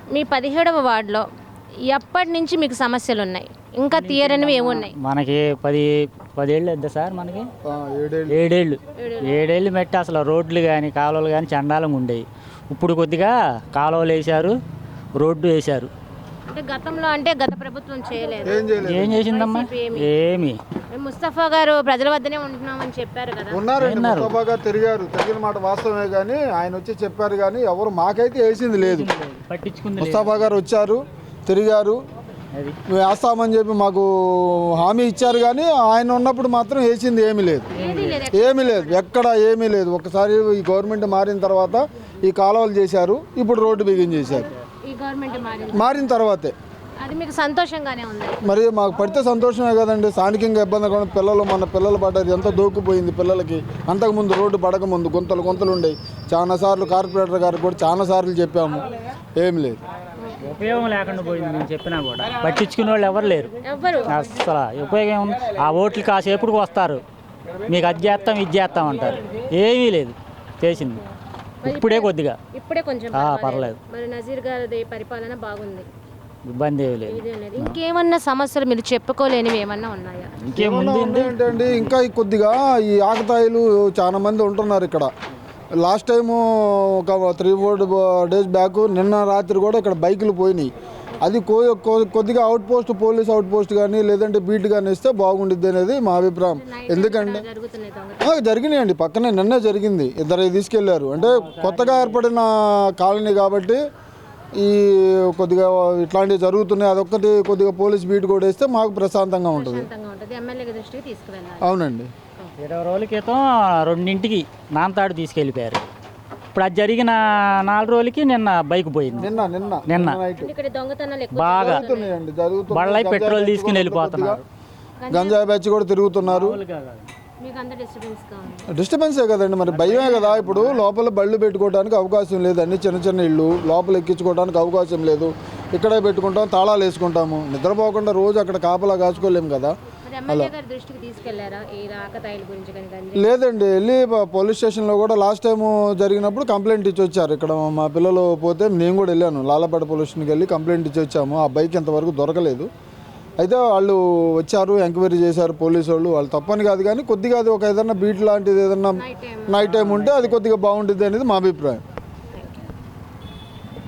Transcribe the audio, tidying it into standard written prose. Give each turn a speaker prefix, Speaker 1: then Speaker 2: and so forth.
Speaker 1: మీ 17వ వార్డులో ఎప్పటి నుంచి మీకు సమస్యలు ఉన్నాయి, ఇంకా తీయరనివి ఏమున్నాయి?
Speaker 2: మనకి 10 ఏళ్ళు వద్దా సార్? మనకి 7 ఏళ్ళు మెట్టి అసలు రోడ్లు కానీ కాలువలు కానీ చండాలంగా ఉండేవి. ఇప్పుడు కొద్దిగా కాలువలు వేశారు, రోడ్డు వేశారు.
Speaker 1: అంటే గతంలో అంటే గత ప్రభుత్వం చేయలేదు.
Speaker 2: ఏం చేసిందమ్మా? ఏమి.
Speaker 1: ముస్తఫా గారు ప్రజల వద్దనే ఉంటున్నామని చెప్పారు కదా.
Speaker 3: ఉన్నారండి, ముస్తఫా గారు తిరిగారు, తిరిగిన మాట వాస్తవమే. కానీ ఆయన వచ్చి చెప్పారు కానీ ఎవరు మాకైతే వేసింది లేదు.
Speaker 2: పట్టించుకుంది.
Speaker 3: ముస్తఫా గారు వచ్చారు, తిరిగారు, వేస్తామని చెప్పి మాకు హామీ ఇచ్చారు. కానీ ఆయన ఉన్నప్పుడు మాత్రం వేసింది ఏమీ లేదు, ఏమీ లేదు, ఎక్కడ ఏమీ లేదు. ఒకసారి ఈ గవర్నమెంట్ మారిన తర్వాత ఈ కాలువలు చేశారు, ఇప్పుడు రోడ్డు బిగించేశారు.
Speaker 1: ఈ గవర్నమెంట్
Speaker 3: మారిన తర్వాతే
Speaker 1: అది మీకు సంతోషంగానే ఉంది.
Speaker 3: మరి మాకు పడితే సంతోషమే కదండి. స్థానికంగా ఇబ్బంది కూడా పిల్లలు, మన పిల్లలు పడ్డారు, ఎంత దూకుపోయింది పిల్లలకి. అంతకుముందు రోడ్డు పడకముందు గుంతలు ఉండేవి. చాలాసార్లు కార్పొరేటర్ గారికి కూడా చాలాసార్లు చెప్పాము, ఏమి లేదు,
Speaker 2: ఉపయోగం లేకుండా పోయింది. నేను చెప్పినా కూడా పట్టించుకునే వాళ్ళు ఎవరు లేరు. అసలు ఉపయోగం ఏముంది? ఆ ఓట్లు కాసేపుడికి వస్తారు, మీకు అది చేస్తాం ఇది చేస్తాం అంటారు. ఏమీ లేదు చేసింది. ఇప్పుడే కొద్దిగా
Speaker 1: ఇప్పుడే కొంచెం
Speaker 2: పర్లేదు.
Speaker 1: మరి నజీర్ గారి పరిపాలన బాగుంది,
Speaker 2: ఇబ్బంది ఏమీ లేదు.
Speaker 1: ఇంకేమన్నా సమస్యలు మీరు చెప్పుకోలేనివి ఏమన్నా ఉన్నాయా?
Speaker 2: ఇంకేముంది
Speaker 3: ఏంటంటే ఇంకా కొద్దిగా ఈ ఆకతాయిలు చాలా మంది ఉంటున్నారు ఇక్కడ. లాస్ట్ టైము ఒక 3-4 డేస్ బ్యాక్, నిన్న రాత్రి కూడా ఇక్కడ బైకులు పోయినాయి. అది కొద్దిగా పోలీస్ అవుట్ పోస్ట్ కానీ లేదంటే బీట్ కానీ ఇస్తే బాగుండిద్ది అనేది మా అభిప్రాయం. ఎందుకంటే జరిగినాయండి, పక్కనే నిన్నే జరిగింది, 2 తీసుకెళ్లారు. అంటే కొత్తగా ఏర్పడిన కాలనీ కాబట్టి ఈ కొద్దిగా ఇట్లాంటివి జరుగుతున్నాయి. అదొక్కటి కొద్దిగా పోలీస్ బీట్ కూడా వేస్తే మాకు ప్రశాంతంగా ఉంటుంది. అవునండి.
Speaker 2: 20 రోజుల క్రితం 2ంటికి నాంతాడు తీసుకెళ్ళిపోయారు. ఇప్పుడు అది జరిగిన 4 రోజులకి నిన్న బైక్ పోయింది. నిన్న బాగా బళ్ళై పెట్రోల్ తీసుకుని వెళ్ళిపోతున్నారు.
Speaker 3: గంజాయి బ్యాచ్ కూడా తిరుగుతున్నారు. డిస్టర్బెన్సే కదండి, మరి భయమే కదా. ఇప్పుడు లోపల బళ్ళు పెట్టుకోవడానికి అవకాశం లేదు, అన్ని చిన్న ఇళ్ళు లోపల ఎక్కించుకోవడానికి అవకాశం లేదు. ఇక్కడే పెట్టుకుంటాం, తాళాలు వేసుకుంటాము. నిద్రపోకుండా రోజు అక్కడ కాపలా కాచుకోలేము కదా. లేదండి, వెళ్ళి పోలీస్ స్టేషన్లో కూడా లాస్ట్ టైం జరిగినప్పుడు కంప్లైంట్ ఇచ్చి వచ్చారు. ఇక్కడ మా పిల్లలు పోతే నేను కూడా వెళ్ళాను, లాలపేట పోలీస్ స్టేషన్కి వెళ్ళి కంప్లైంట్ ఇచ్చి వచ్చాము. ఆ బైక్ ఇంతవరకు దొరకలేదు. అయితే వాళ్ళు వచ్చారు, ఎంక్వైరీ చేశారు పోలీసు వాళ్ళు. వాళ్ళు తప్పని కాదు కానీ కొద్దిగా అది ఒక ఏదన్నా బీట్ లాంటిది ఏదన్నా నైట్ టైం ఉంటే అది కొద్దిగా బాగుంటుంది అనేది మా అభిప్రాయం.